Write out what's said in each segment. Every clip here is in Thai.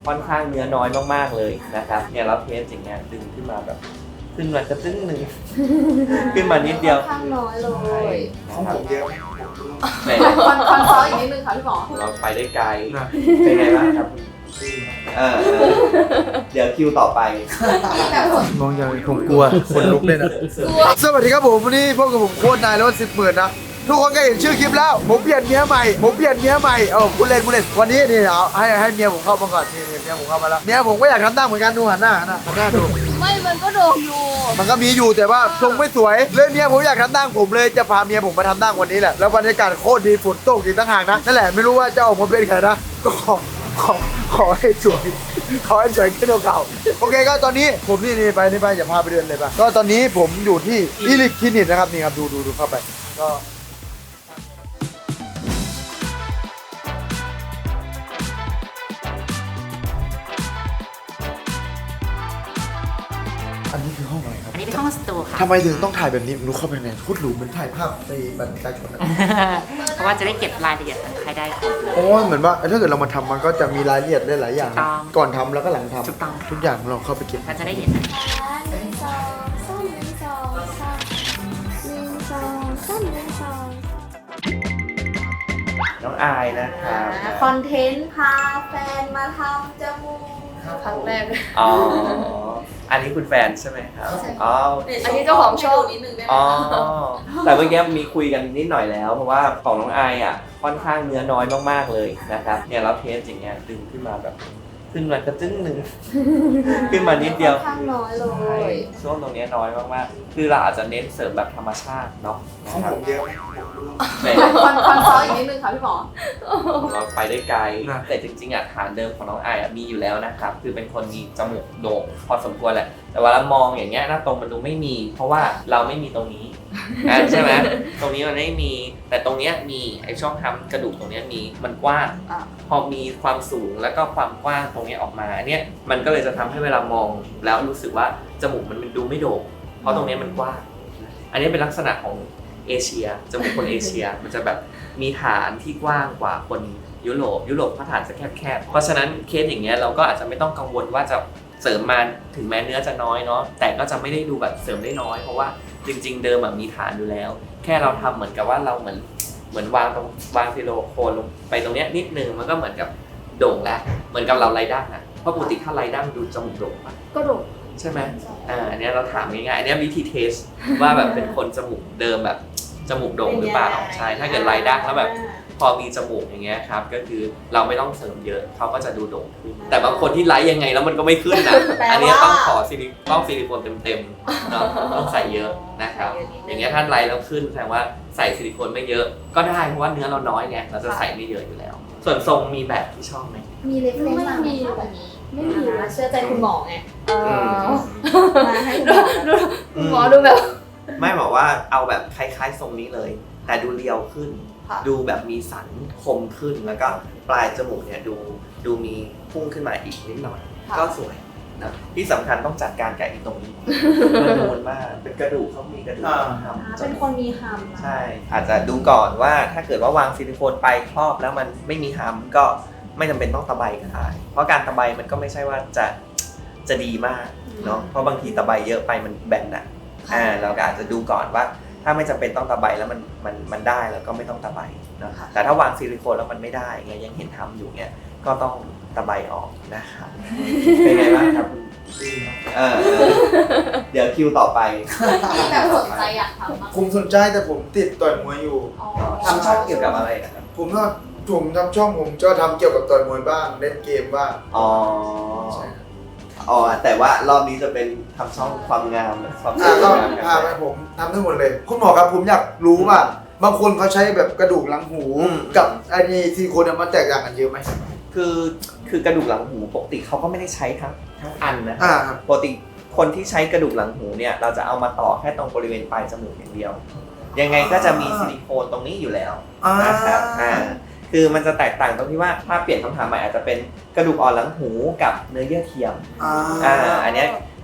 ค่อนข้างเนื้อน้อยมากๆเลยนะครับเนี่ยเราเทสอย่างเงี้ยดึงขึ้นมาแบบขึ้นมากระตึ้งหนึ่ง ขึ้นมานิดเดียวข้างน้อยเลยของผมเยอะไหนคอนซอลอีกนิดนึงค่ะพี่หมอเราไปได้ไกลเป็นไงบ้างครับเดี๋ยวคิวต่อไปแบบสดมองอย่างผมกลัวคนลุกเลยนะสวัสดีครับผมวันนี้พบกับผมโค้ชนายแล้วว่า10,000นะทุกคนก็เห็นชื่อคลิปแล้วผมเปลี่ยนเมียใหม่คุณเล่นวันนี้นี่เอาให้เมียผมเข้ามาก่อนนี่เมียผมเข้ามาแล้วเมียผมก็อยากทำหน้าเหมือนกันดูหันหน้าดูไม่มันก็โดนอยู่มันก็มีอยู่แต่ว่าทรงไม่สวยเลยเมียผมอยากทำหน้าผมเลยจะพาเมียผมมาทำหน้าวันนี้แหละแล้วบรรยากาศโคตรดีฝนตกอีกต่างหากนะนั่นแหละไม่รู้ว่าจะออกมาเป็นไงนะก็ขอให้สวยขึ้นกว่าเก่าโอเคก็ตอนนี้ผมนี่ไปอย่าพาไปเดินเลยป่ะก็ตอนนี้ผมอยู่ที่อิลิคคลินิกนะครับนี่ครับดูเข้าไปก็อันนี้คือห้องอะไรครับอันนี้เป็นห้องสตูค่ะทำไมถึงต้องถ่ายแบบนี้รู้เข้าไปไงพูดหรูเหมือนถ่ายภาพในบันทึกการชนนะเพราะว่าจะได้เก็บรายละเอียดคนไข้ได้ครบเลยโอ้ยเหมือนว่าถ้าเกิดเรามาทำมันก็จะมีรายละเอียดหลายๆอย่างถูกต้องก่อนทำแล้วก็หลังทำถูกต้องทุกอย่างเราเข้าไปเก็บก็จะได้เห็น 1 2 3 น้องอายนะครับคอนเทนต์พาแฟนมาทำจมูกครั้งแรกเลยอ๋ออันนี้คุณแฟนใช่ไหมครับอ๋ออันนี้เจ้าของโชว์นิดนึงได้ไหมอ๋อแต่เมื่อกี้มีคุยกันนิดหน่อยแล้วเพราะว่าของน้องอายอ่ะค่อนข้างเนื้อน้อยมากๆเลยนะครับเนี่ยเราเทสอย่างเงี้ยดึงขึ้นมาแบบขึ้นมากระตึ้งหนึ่ง ขึ้นมานิดเดียวข้างน้อยเลใช่ยช่วงตรงเนี้ยน้อยมากๆคือเราอาจจะเน้นเสริมแบบธรรมชาติเนาะของผมเยอะไหนคอนซอลอีกนิดนึงค่ะพี่หมอเราไปได้ไกลแต่จริงๆอ่ะฐานเดิมของน้องอายอ่ะมีอยู่แล้วนะครับคือเป็นคนมีจมูกโด่งพอสมควรแหละแต่เวลามองอย่างเงี้ยหน้าตรงมันดูไม่มี เพราะว่าเราไม่มีตรงนี้ใช่ไหมตรงนี้มันไม่มีแต่ตรงเนี้ยมีไอ้ช่องทำกระดูกตรงเนี้ยมีมันกว้าง พอมีความสูงแล้วก็ความกว้างตรงนี้ออกมาเนี่ยมันก็เลยจะทำให้เวลามองแล้วรู้สึกว่าจมูกมันดูไม่โด่งเพราะตรงนี้มันกว้างอันนี้เป็นลักษณะของเอเชียจมูกคนเอเชียมันจะแบบมีฐานที่กว้างกว่าคนยุโรปเขาฐานจะแคบๆเพราะฉะนั้นเคสอย่างเงี้ยเราก็อาจจะไม่ต้องกังวลว่าจะเสริมมาถึงแม้เนื้อจะน้อยเนาะแต่ก็จะไม่ได้ดูแบบเสริมได้น้อยเพราะว่าจริงๆเดิมมีฐานอยู่แล้ว แค่เราทำเหมือนกับว่าเราเหมือนวางซิลิโคนลงไปตรงเนี้ยนิดนึงมันก็เหมือนกับโด่งแล้วเหมือนกับเราไรดั้งอ่ะเพราะปกติถ้าไรดั้งดูจมูกโด่งปะก็โดดใช่ไหมอันเนี้ยเราถามง่ายๆอันเนี้ยวิธีเทสว่าแบบเป็นคนจมูกเดิมแบบจมูกโด่งหรือเปล่าใช่ถ้าเกิดไรดั้งแล้วแบบพอมีจมูกอย่างเงี้ยครับก็คือเราไม่ต้องเสริมเยอะเขาก็จะดูโด่งขึ้นแต่บางคนที่ไลฟ์ยังไงแล้วมันก็ไม่ขึ้นนะอันเนี้ยต้องขอซิลิโคนเต็มๆเนาะต้องใส่เยอะนะครับอย่างเงี้ยถ้าไลฟ์แล้วขึ้นแสดงว่าใส่ซิลิโคนไม่เยอะก็ได้เพราะว่าเนื้อเราน้อยไงเราจะใส่ไม่เยอะอยู่แล้ว ส่วนทรงมีแบบที่ชอบไหมมีเล็กๆไม่มีแบบนี้ไม่มีนะเชื่อใจคุณหมอไงมาให้คุณหมอดูแบบไม่บอกว่าเอาแบบคล้ายๆทรงนี้เลย แต่ดูเรียวขึ้น ดูแบบมีสันคมขึ้นแล้วก็ปลายจมูกเนี่ยดูมีพุ่งขึ้นมาอีกนิดหน่อย ก็สวยนะที่สำคัญต้องจัดการกับอีตรงนี้มันนูนมากเป็นกระดูกเขามีกระดูกทำเป็นคนมีฮัมใช่ อาจจะดูก่อนว่าถ้าเกิดว่าวางซิลิโคนไปครอบแล้วมันไม่มีฮัมก็ไม่จำเป็นต้องตะไบก็ได้เพราะการตะไบมันก็ไม่ใช่ว่าจะดีมากเนาะเพราะบางทีตะไบเยอะไปมันแบนอ่ะเราก็อาจจะดูก่อนว่าถ้าไม่จำเป็นต้องตะไบแล้วมันได้แล้วก็ไม่ต้องตะไบนะครับแต่ถ้าวางซิลิโคนแล้วมันไม่ได้เงี้ยยังเห็นทำอยู่เนี่ยก็ต้องตะไบออกนะครับเป็นไงบ้างครับเดี๋ยวคิวต่อไปแบบสนใจอยากทำมากผมสนใจแต่ผมติดต่อยมวยอยู่ทำช่องเกี่ยวกับอะไรนะครับผมทำช่องผมก็ทำเกี่ยวกับต่อยมวยบ้างเล่นเกมบ้างอ๋อใช่ครับอ๋อแต่ว่ารอบนี้จะเป็นทำช่องความงามความสวยก็งามพาไปผมทำทั้งหมดเลยคุณหมอครับผมอยากรู้ว่าบางคนเขาใช้แบบกระดูกหลังหูกับไอ้นี่ซิลิโคนเนี่ยมันแตกต่างกันเยอะไหมคือกระดูกหลังหูปกติเขาก็ไม่ได้ใช้ทั้งอันนะครับปกติคนที่ใช้กระดูกหลังหูเนี่ยเราจะเอามาต่อแค่ตรงบริเวณปลายจมูกอย่างเดียว ยังไงก็จะมีซิลิโคนตรงนี้อยู่แล้วนะครับคือมันจะแตกต่างตรงที่ว่าถ้าเปลี่ยนคำถามใหม่อาจจะเป็นกระดูกอ่อนหลังหูกับเนื้อเยื่อเทียมอันเนี้ย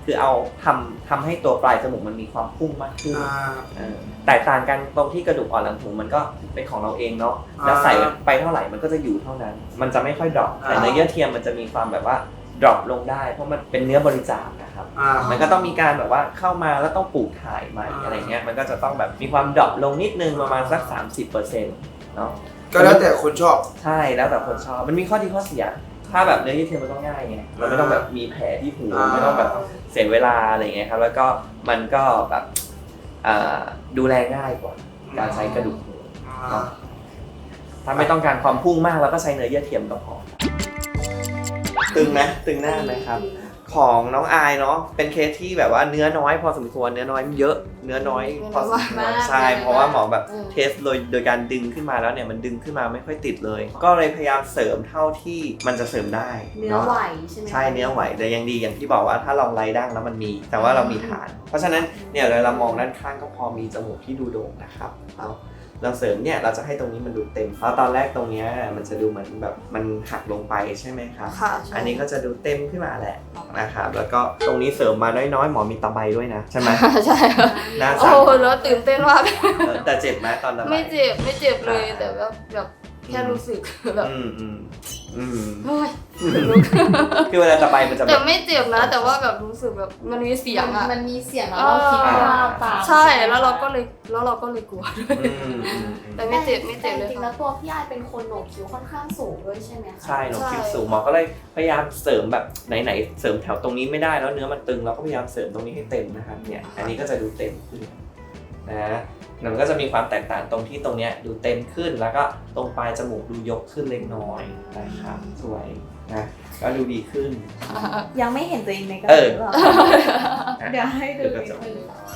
คือเอาทำให้ตัวปลายจมูกมันมีความพุ่งมากขึ้นแตกต่างกันตรงที่กระดูกอ่อนหลังหูมันก็เป็นของเราเองเนาะแล้วใส่ไปเท่าไหร่มันก็จะอยู่เท่านั้น มันจะไม่ค่อยดรอปแต่เนื้อเยื่อเทียมมันจะมีความแบบว่าดรอปลงได้เพราะมันเป็นเนื้อบริจาคนะครับมันก็ต้องมีการแบบว่าเข้ามาแล้วต้องปลูกถ่ายใหม่อะไรเงี้ยมันก็จะต้องแบบมีความดรอปลงนิดนึงประมาณสัก 30%เนาะก็แล้วแต่คนชอบใช่แล้วแต่คนชอบมันมีข้อดีข้อเสียถ้าแบบเนื้อเยื่อเทียมมันก็ง่ายไงมันไม่ต้องแบบมีแผลที่หูไม่ต้องแบบเสียเวลาอะไรเงี้ยครับแล้วก็มันก็แบบดูแลง่ายกว่าการใช้กระดูกหูถ้าไม่ต้องการความพุ่งมากเราก็ใช้เนื้อเยื่อเทียมก็พอตึงไหมตึงหน้าไหมครับของน้องอายเนาะเป็นเคสที่แบบว่าเนื้อน้อยพอสมควรเนื้อน้อยเยอะเนื้อน้อยพอสมควรใช่เพราะว่าหมอแบบเทสโดยการดึงขึ้นมาแล้วเนี่ยมันดึงขึ้นมาไม่ค่อยติดเลยก็เลยพยายามเสริมเท่าที่มันจะเสริมได้เนื้อไหวใช่ไหมใช่เนื้อไหวแต่ยังดีอย่างที่บอกว่าถ้าลองไล่ดั้งแล้วมันมีแต่ว่าเรามีฐานเพราะฉะนั้นเนี่ยเรามองด้านข้างก็พอมีจมูกที่ดูโด่งนะครับเราเสริมเนี่ยเราจะให้ตรงนี้มันดูเต็มเพราะตอนแรกตรงนี้มันจะดูเหมือนแบบมันหักลงไปใช่ไหมครับอันนี้ก็จะดูเต็มขึ้นมาแหละนะครับแล้วก็ตรงนี้เสริมมาน้อยๆหมอมีตะไบด้วยนะใช่ไหมใช่หน้าสั่นโอ้แล้วตื่นเต้นมากแต่เจ็บไหมตอนตะไบไม่เจ็บเลยแต่แบบแค่รู้สึกแบบคือเวลาตะไบมันจะแต่ไม่เจ็บนะแต่ว่าแบบรู้สึกแบบมันมีเสียงอะมันมีเสียงแล้วเราคิดว่าตามใช่แล้วเราก็เลยกลัวด้วยแต่ไม่เจ็บเลยจริงๆแล้วตัวพี่อายเป็นคนโหนกคิ้วค่อนข้างสูงด้วยใช่ไหมคะใช่โหนกคิ้วสูงหมอก็เลยพยายามเสริมแบบไหนเสริมแถวตรงนี้ไม่ได้แล้วเนื้อมันตึงเราก็พยายามเสริมตรงนี้ให้เต็มนะครับเนี่ยอันนี้ก็จะดูเต็มขึ้นนะมันก็จะมีความแตกต่างตรงที่ตรงเนี้ยดูเต็มขึ้นแล้วก็ตรงปลายจมูกดูยกขึ้นเล็กน้อยนะครับสวยนะก็ดูดีขึ้นยังไม่เห็นตัวเองในกระจกหรอเดี๋ยวให้ดูกระจก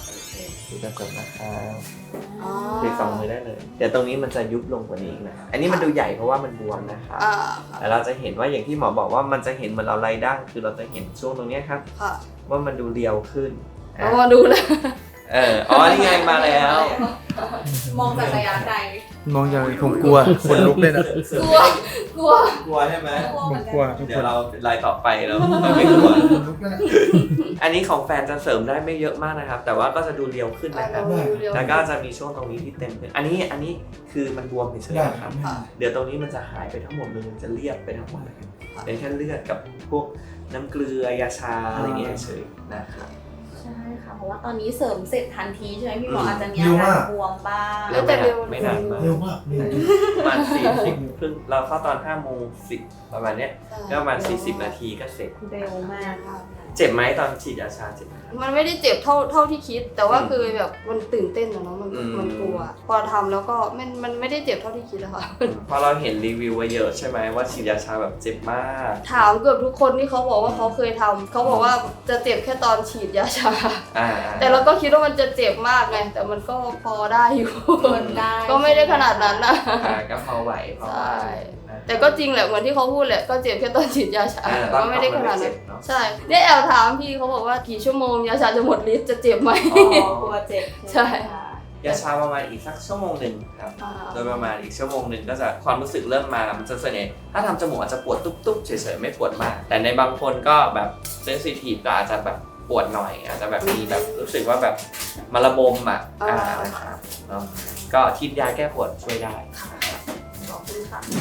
นะครับพลิกสองมือได้เลยเดี๋ยวตรงนี้มันจะยุบลงกว่านี้นะอันนี้มันดูใหญ่เพราะว่ามันบวมนะครับแต่เราจะเห็นว่าอย่างที่หมอบอกว่ามันจะเห็นเหมือนเราไล่ดั้งคือเราจะเห็นช่วงตรงนี้ครับว่ามันดูเรียวขึ้นมาดูเลยอ๋อนี่ไงมาแล้วมองจากระยะไกลมองอย่างผมกลัวคนลุกเลยนะกลัวใช่ไหมผมกลัวเดี๋ยวเราไล่ต่อไปแล้วไม่กลัวอันนี้ของแฟนจะเสริมได้ไม่เยอะมากนะครับแต่ว่าก็จะดูเรียวขึ้นนะครับแล้วก็จะมีช่วงตรงนี้ที่เต็มขึ้นอันนี้คือมันบวมเฉยๆครับเดี๋ยวตรงนี้มันจะหายไปทั้งหมดเลยมันจะเรียบไปทั้งหมดเลยเป็นแค่เลือดกับพวกน้ำเกลือยาชาอะไรเงี้ยเฉยนะครับใช่ค่ะเพราะว่าตอนนี้เสริมเสร็จทันทีใช่ไหมพี่หมออาจจะมีอาการบวมบ้างแต่ไม่นานมากเร็วมากประมาณ40ครึ่งเราเข้าตอน5:10ประมาณเนี้ยก็ประมาณ40นาทีก็เสร็จเร็วมากค่ะเจ็บไหมตอนฉีดยาชาเจ็บมันไม่ได้เจ็บเท่าที่คิดแต่ว่าคือแบบมันตื่นเต้นอะเนาะมันกลัวพอทำแล้วก็มันไม่ได้เจ็บเท่าที่คิดอะค่ะพอเราเห็นรีวิวไว้เยอะใช่ไหมว่าฉีดยาชาแบบเจ็บมากถามเกือบทุกคนที่เขาบอกว่าเขาเคยทำเขาบอกว่าจะเจ็บแค่ตอนฉีดยาชาแต่เราก็คิดว่ามันจะเจ็บมากไงแต่มันก็พอได้อยู่ก็ไม่ได้ขนาดนั้นนะก็พอไหวใช่แต่ก็จริงแหละเหมือนที่เขาพูดแหละก็เจ็บแค่ตอนฉีดยาชาก็ไม่ได้ขนาดนั้นใช่ได้แอบถามพี่เขาบอกว่ากี่ชั่วโมงยาชาจะหมดฤทธิ์จะเจ็บไหมกลัวเจ็บใช่ยาชาประมาณอีกสักชั่วโมงหนึ่งครับโดยประมาณอีกชั่วโมงหนึ่งก็จะความรู้สึกเริ่มมามันจะส่วนใหญ่ถ้าทำจมูกอาจจะปวดตุ๊บๆเฉยๆไม่ปวดมากแต่ในบางคนก็แบบเซนซิทีฟก็อาจจะแบบปวดหน่อยอาจจะแบบมีแบบรู้สึกว่าแบบมาระบมนะครับเนาะก็ทิดยาแก้ปวดช่วยได้ขอบคุณค่ะ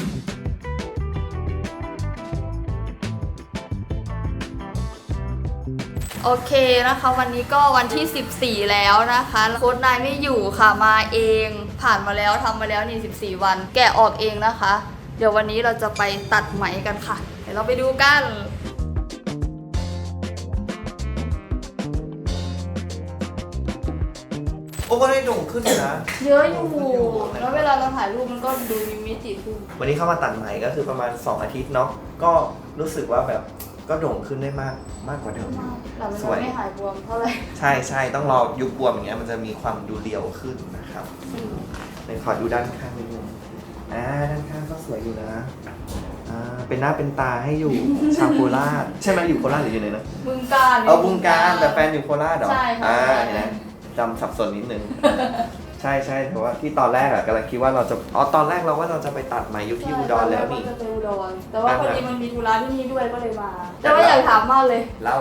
โอเคนะคะวันนี้ก็วันที่14แล้วนะคะโค้ชนายไม่อยู่ค่ะมาเองผ่านมาแล้วทำมาแล้วนี่14วันแกะออกเองนะคะเดี๋ยววันนี้เราจะไปตัดไหมกันค่ะเดี๋ยวเราไปดูกันโอ้ก็ได้โด่งขึ้นนะเยอะอยู่แล้วเวลาเราถ่ายรูปมันก็ดูมีมิติขึ้นวันนี้เข้ามาตัดไหมก็คือประมาณ2อาทิตย์เนาะก็รู้สึกว่าแบบก็โด่งขึ้นได้มากกว่าเดิมสวยไม่หายบวมเท่าไหร่ใช่ต้องรอยุบบวมอย่างเงี้ยมันจะมีความดูเรียวขึ้นนะครับในขอดูด้านข้างนิดนึงด้านข้างก็สวยอยู่นะเป็นหน้าเป็นตาให้อยู่ชาวโคราชใช่ไหมอยู่โคราชหรืออยู่ไหนนะบึงกาฬบึงกาฬแต่แฟนอยู่โคราชเหรอใช่เห็นไหมจำสับสนนิดนึงใช่แต่ว่าที่ตอนแรกกำลังคิดว่าเราจะตอนแรกเราว่าเราจะไปตัดไหมอยู่ที่อุดรแล้วนี่จะไปอุดรแต่ว่าพอดีมันมีธุระที่นี่ด้วยก็เลยมาแต่ว่าอยากถามมากเลยเล่า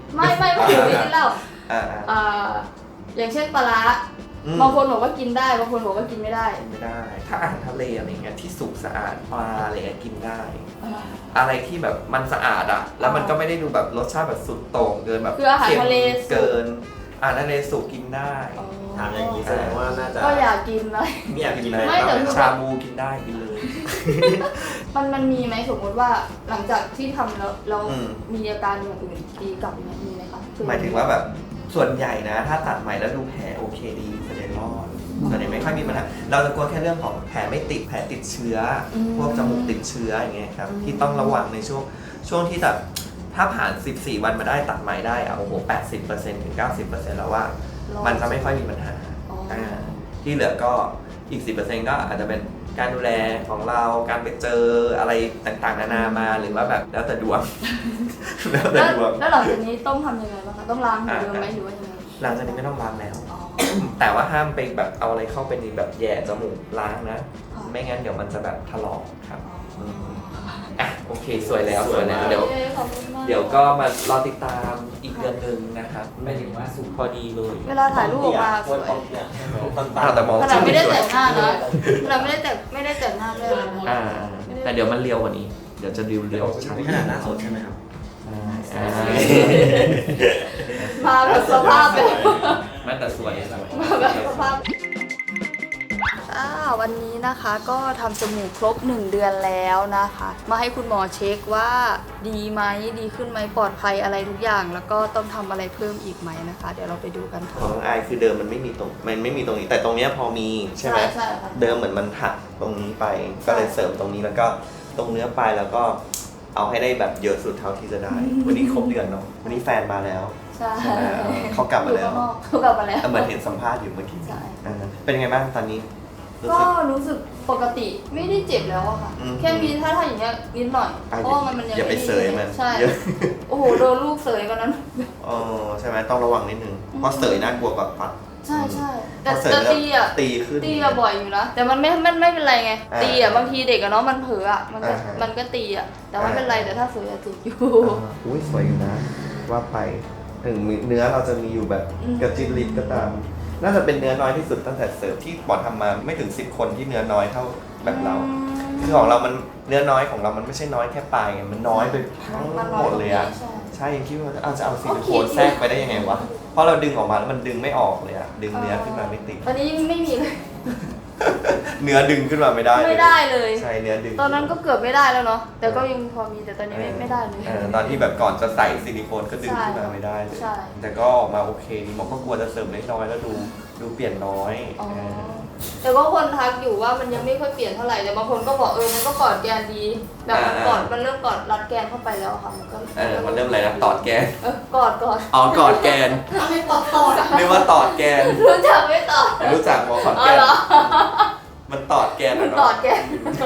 ไม่ถึงไม่กินเหล้าอ่าอย่างเช่นปลาร้า บางคนบอกว่ากินได้บางคนบอกว่ากินไม่ได้ไม่ได้ ถ้าอาหารทะเลอะไรเงี้ยที่สุกสะอาดปลาอะไรเงี้ยกินได้ อะไรที่แบบมันสะอาดอ่ะแล้วมันก็ไม่ได้ดูแบบรสชาติแบบสุดโต่งเกินแบบคืออาหารทะเลเกินอาหารทะเลสุกกินได้ถามอย่างนี้แสดงว่าน่าจะก็อยากกินเลยไม่อยากกินอะไรไม่แต่ชาบูกินได้กินเลยมันมีไหมสมมติว่าหลังจากที่ทำแล้วเราอืมมีอาการอย่างอื่นดีกลับไหมมีไหมคะหมายถึงว่าแบบส่วนใหญ่นะ ถ้าตัดใหม่แล้วดูแผลโอเคดีส่วนใหญ่รอดส่วนใหญ่ไม่ค่อยมีปัญหาเราจะกลัวแค่เรื่องของแผลไม่ติดแผลติดเชื้ออพวกจมูกติดเชื้ออย่างเงี้ยครับที่ต้องระวังในช่วงที่แบบถ้าผ่าน 14 วันมาได้ตัดใหม่ได้อะโอ้โห 80% ถึง 90% แล้วว่ามันจะไม่ค่อยมีปัญหาที่เหลือก็อีก 10% ก็อาจจะเป็นการดูแลของเราการไปเจออะไรต่างๆนานามาหรือว่าแบบแล้วแต่ดวง แล้วแต่ดวงแล้วหลังจากนี้ต้องทำยังไงบ้างคะต้องล้างเหมือนเดิมไหมหรือว่ายังไงหลังจากนี้ไม่ต้องล้างแล้ว แต่ว่าห้ามไปแบบเอาอะไรเข้าไปในแบบแย่จมูกล้างนะ ไม่งั้นเดี๋ยวมันจะแบบถลอกครับอ่ะโอเคสวยแล้วเดี๋ยวขอบคุณมากเดี๋ยวก็มารอติดตามอีกเดือนหนึ่งนะครับไม่ถึงว่าสุกพอดีเลยเวลาถ่ายรูปออกมาสวยแต่มองขนาดไม่ได้แต่งหน้าเลนะยขนาดไม่ได้แต่งหน้าเลยนะแต่เดี๋ยวมันเรียวกว่านี้ เดี๋ยวจะเรียวชัดนี่ขนาดหน้าสดใช่ไหมครับมาแบบสภาพแบบไม่แต่สวยมาแบบสภาพวันนี้นะคะก็ทำจมูกครบ1 เดือนแล้วนะคะ มาให้คุณหมอเช็คว่าดีไหมดีขึ้นไหมปลอดภัยอะไรทุกอย่าง แล้วก็ต้องทำอะไรเพิ่มอีกไหมนะคะ เดี๋ยวเราไปดูกันขค่ะองน้องอายคือเดิมมันไม่มีตรงนี้แต่ตรงเนี้ยพอมีใช่ไหมใช่ค่ะเดิมเหมือนมันหักตรงนี้ไปก็เลยเสริมตรงนี้แล้วก็ตรงเนื้อปลายแล้วก็เอาให้ได้แบบเยอะสุดเท่าที่จะได้ วันนี้ครบเดือนเนาะวันนี้แฟนมาแล้วใช่ใช่ไหมเขากลับมาแล้วเขากลับมาแล้วเหมือนเห็นสัมภาษณ์อยู่เมื่อกี้ใช่เป็นไงบ้างตอนนี้รู้ก็สึกรู้สึกปกติไม่ได้เจ็บแล้วอะค่ะอืมแค่มีถ้าอย่างเงี้ยนิดหน่อยเพราะว่ามันยังอย่าไปม่เสยมันใช่เยอะโอ้โหโดนลูกเสยวันนั้นอ๋อใช่ไหมต้องระวังนิดนึงเพราะเสยน่ากลัวกว่าปัดใช่ใช่แต่พอเสยแต่แล้วตีอ่ะตีขึ้นตีอะบ่อยอยู่นะแต่มันไม่เป็นไรไงอ่าตีอะบางทีเด็กอะเนาะมันเผลออะมันก็อ่าฮะมันก็ตีอะแต่ไม่เป็นไรแต่ถ้าเสยอะเจ็บอยู่อุ้ยสวยอยู่นะ ว่าไปถึงเนื้อเราจะมีอยู่แบบอืมกระจิบลิบก็ตาม น่าจะเป็นเนื้อน้อยที่สุดตั้งแต่เสิร์ฟที่บอดทำมาไม่ถึง10 คนที่เนื้อน้อยเท่าแบบเรา คือของเรามันเนื้อน้อยของเรามันไม่ใช่น้อยแค่ปลายไงมันน้อยไปทั้งมันหมดเลยอะใช่ใช่ยังคิดว่าจะเอาซิลิโคนโอเคแทรกไปได้ยังไงวะเพราะเราดึงออกมาแล้วมันดึงไม่ออกเลยอะดึงเนื้อขึ้นมาไม่ติดตอนนี้ไม่มีเลยเนื้อดึงขึ้นมาไม่ได้ไม่ได้เลยใช่เนื้อดึงตอนนั้นก็เกือบไม่ได้แล้วเนาะแต่ก็ยังพอมีแต่ตอนนี้ไม่ได้เลยตอนที่แบบก่อนจะใส่ซิลิโคนก็ดึงขึ้นมาไม่ได้เลยใช่แต่ก็ออกมาโอเคดีหมอก็กลัวจะเสริมเล็กน้อยแล้วดูเปลี่ยนน้อยอ๋อแต่ก็คนทักอยู่ว่ามันยังไม่ค่อยเปลี่ยนเท่าไหร่แต่บางคนก็บอกมันก็กอดแกนดีแบบมันเริ่มกอดรัดแกนเข้าไปแล้วค่ะมันก็มันเริ่มอะไรนะตอดแกนกอดอ๋อกอดแกนไม่ตอดเรียกว่าตอดแกนรู้จักไม่ตอดรู้จักหมอขอนอ๋อแกนเหรอมันตอดแกนมันอะกอเนาะดแกน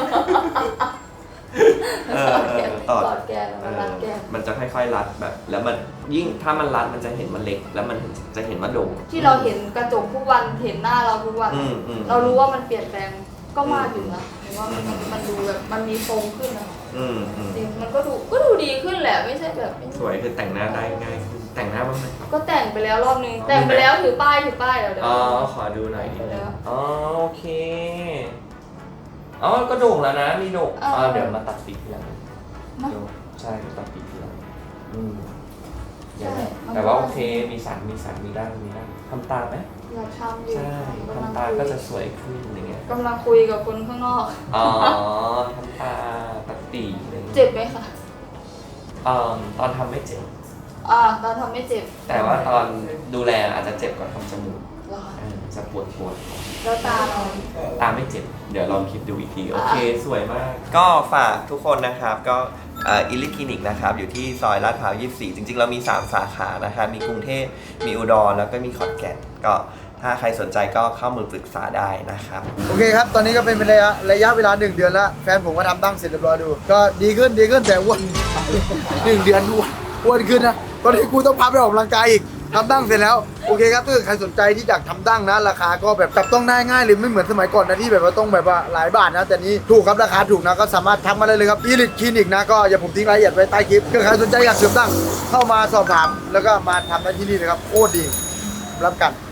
ตอดกอดแกนมันรัดแกนมันจะค่อยๆรัดแบบ แล้วมันยิ่งถ้ามันรัดมันจะเห็นมันเล็ก แล้วมันจะเห็นว่าโด่งที่เราเห็นกระจกทุกวันเห็นหน้าเราทุกวัน เรารู้ว่ามันเปลี่ยนแปลงก็มากอยู่นะหรือว่ามันดูแบบมันมีทรงขึ้นนะจริงมันก็ดูดีขึ้นแหละไม่ใช่แบบไม่สวยคือแต่งหน้าได้ง่ายขึ้นแต่งหน้าบ้างไหมครับก็แต่งไปแล้วรอบนึงแต่งไปแล้วถือป้ายเดี๋ยวอ๋อขอดูหน่อยไปแล้วอ๋อโอเคอ๋อก็โด่งแล้วนะมีโด่งเดี๋ยวมาตัดปีกทีหลังเนอะใช่ตัดปีกทีหลังเดี๋ยวใช่แต่ว่าโอเคมีสันมีด้านทำตาไหมอยากทำอยู่ใช่ทำตาก็จะสวยขึ้นอะไรเงี้ยกำลังคุยกับคนข้างนอกอ๋อทำตาตัดปีกอะไรงี้ยเจ็บไหมคะตอนทำไม่เจ็บตอนทำไม่เจ็บแต่ว่าตอนดูแลอาจจะเจ็บกว่าทำจมูกเหรอคะจะปวดแล้วตาเราตาไม่เจ็บ เดี๋ยวลองคิดดูอีกที โอเค สวยมาก ก็ฝากทุกคนนะครับ ก็อิลิคลินิกนะครับ อยู่ที่ซอยลาดพร้าว 24 จริงๆ เรามี 3 สาขานะครับ มีกรุงเทพ มีอุดร แล้วก็มีขอนแก่น ก็ถ้าใครสนใจก็เข้ามือปรึกษาได้นะครับโอเคครับ ตอนนี้ก็เป็นระยะเวลา1 เดือนแล้วแฟนผมก็ทำตั้งเสร็จเรียบร้อยดู ก็ดีขึ้นแต่อ้วน 1 เดือนอ้วนขึ้นนะตอนนี้กูต้องพาไปออกกำลังกายอีกทำดั้งเสร็จแล้วโอเคครับถ้าเกิดใครสนใจที่อยากทำดั้งนะราคาก็แบบจับต้องได้ง่ายเลยไม่เหมือนสมัยก่อนนะที่แบบว่าต้องแบบว่าหลายบาทนะแต่นี้ถูกครับราคาถูกนะก็สามารถทักมาได้เลยครับอีลิทคลินิกนะก็อย่าผมทิ้งรายละเอียดไว้ใต้คลิปถ้าใครสนใจอยากเสริมดั้งเข้ามาสอบถามแล้วก็มาทำได้ที่นี่นะครับโคตรดีรับกัน